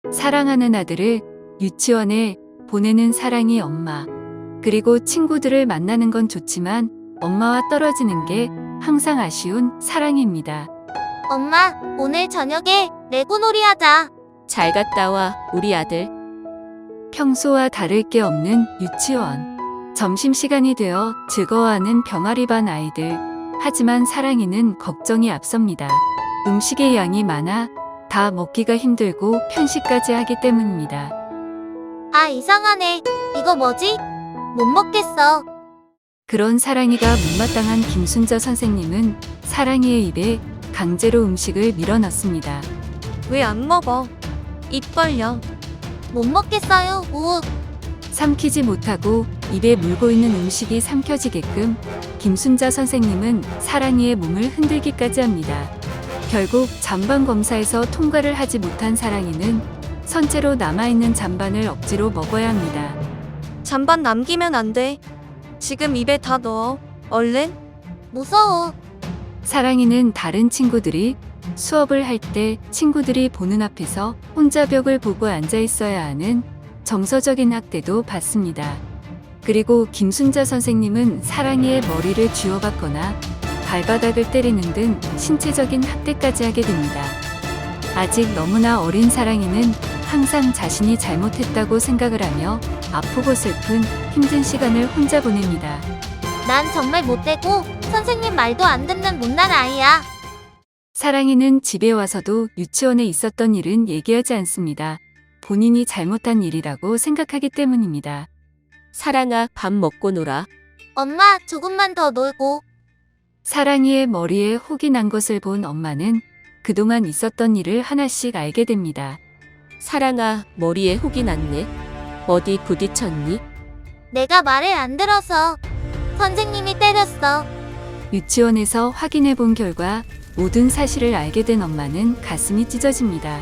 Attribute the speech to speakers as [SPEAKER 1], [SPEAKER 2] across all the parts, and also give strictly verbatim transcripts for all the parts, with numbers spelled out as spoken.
[SPEAKER 1] 사랑하는 아들을 유치원에 보내는 사랑이 엄마. 그리고 친구들을 만나는 건 좋지만 엄마와 떨어지는 게 항상 아쉬운 사랑입니다.
[SPEAKER 2] 엄마, 오늘 저녁에 레고놀이 하자.
[SPEAKER 3] 잘 갔다 와, 우리 아들.
[SPEAKER 1] 평소와 다를 게 없는 유치원. 점심시간이 되어 즐거워하는 병아리 반 아이들. 하지만 사랑이는 걱정이 앞섭니다. 음식의 양이 많아 다 먹기가 힘들고 편식까지 하기 때문입니다.
[SPEAKER 2] 아, 이상하네. 이거 뭐지? 못 먹겠어.
[SPEAKER 1] 그런 사랑이가 못마땅한 김순자 선생님은 사랑이의 입에 강제로 음식을 밀어넣습니다.
[SPEAKER 3] 왜 안 먹어? 입 벌려.
[SPEAKER 2] 못 먹겠어요. 우.
[SPEAKER 1] 삼키지 못하고 입에 물고 있는 음식이 삼켜지게끔 김순자 선생님은 사랑이의 몸을 흔들기까지 합니다. 결국 잔반 검사에서 통과를 하지 못한 사랑이는 선체로 남아있는 잔반을 억지로 먹어야 합니다.
[SPEAKER 3] 잔반 남기면 안 돼. 지금 입에 다 넣어. 얼른.
[SPEAKER 2] 무서워.
[SPEAKER 1] 사랑이는 다른 친구들이 수업을 할 때 친구들이 보는 앞에서 혼자 벽을 보고 앉아 있어야 하는 정서적인 학대도 받습니다. 그리고 김순자 선생님은 사랑이의 머리를 쥐어박거나 발바닥을 때리는 등 신체적인 학대까지 하게 됩니다. 아직 너무나 어린 사랑이는 항상 자신이 잘못했다고 생각을 하며 아프고 슬픈 힘든 시간을 혼자 보냅니다.
[SPEAKER 2] 난 정말 못되고 선생님 말도 안 듣는 못난 아이야.
[SPEAKER 1] 사랑이는 집에 와서도 유치원에 있었던 일은 얘기하지 않습니다. 본인이 잘못한 일이라고 생각하기 때문입니다.
[SPEAKER 3] 사랑아, 밥 먹고 놀아.
[SPEAKER 2] 엄마, 조금만 더 놀고.
[SPEAKER 1] 사랑이의 머리에 혹이 난 것을 본 엄마는 그동안 있었던 일을 하나씩 알게 됩니다.
[SPEAKER 3] 사랑아, 머리에 혹이 났네. 어디 부딪혔니?
[SPEAKER 2] 내가 말을 안 들어서 선생님이 때렸어.
[SPEAKER 1] 유치원에서 확인해 본 결과 모든 사실을 알게 된 엄마는 가슴이 찢어집니다.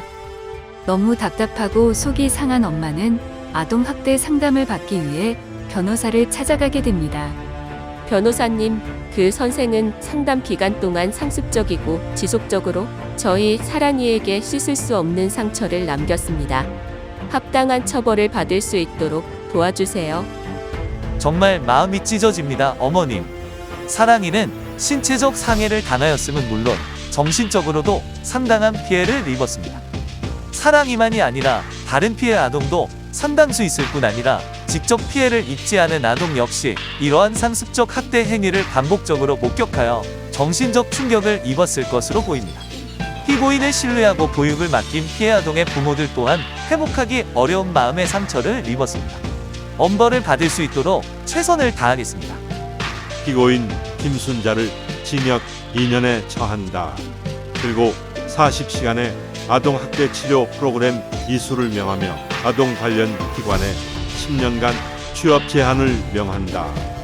[SPEAKER 1] 너무 답답하고 속이 상한 엄마는 아동학대 상담을 받기 위해 변호사를 찾아가게 됩니다.
[SPEAKER 3] 변호사님, 그 선생은 상담 기간 동안 상습적이고 지속적으로 저희 사랑이에게 씻을 수 없는 상처를 남겼습니다. 합당한 처벌을 받을 수 있도록 도와주세요.
[SPEAKER 4] 정말 마음이 찢어집니다, 어머님. 사랑이는 신체적 상해를 당하였음은 물론 정신적으로도 상당한 피해를 입었습니다. 사랑이만이 아니라 다른 피해 아동도 상당수 있을 뿐 아니라 직접 피해를 입지 않은 아동 역시 이러한 상습적 학대 행위를 반복적으로 목격하여 정신적 충격을 입었을 것으로 보입니다. 피고인을 신뢰하고 보육을 맡긴 피해 아동의 부모들 또한 회복하기 어려운 마음의 상처를 입었습니다. 엄벌을 받을 수 있도록 최선을 다하겠습니다.
[SPEAKER 5] 피고인 김순자를 징역 이 년에 처한다. 그리고 사십 시간의 아동학대 치료 프로그램 이수를 명하며 아동 관련 기관에 십 년간 취업 제한을 명한다.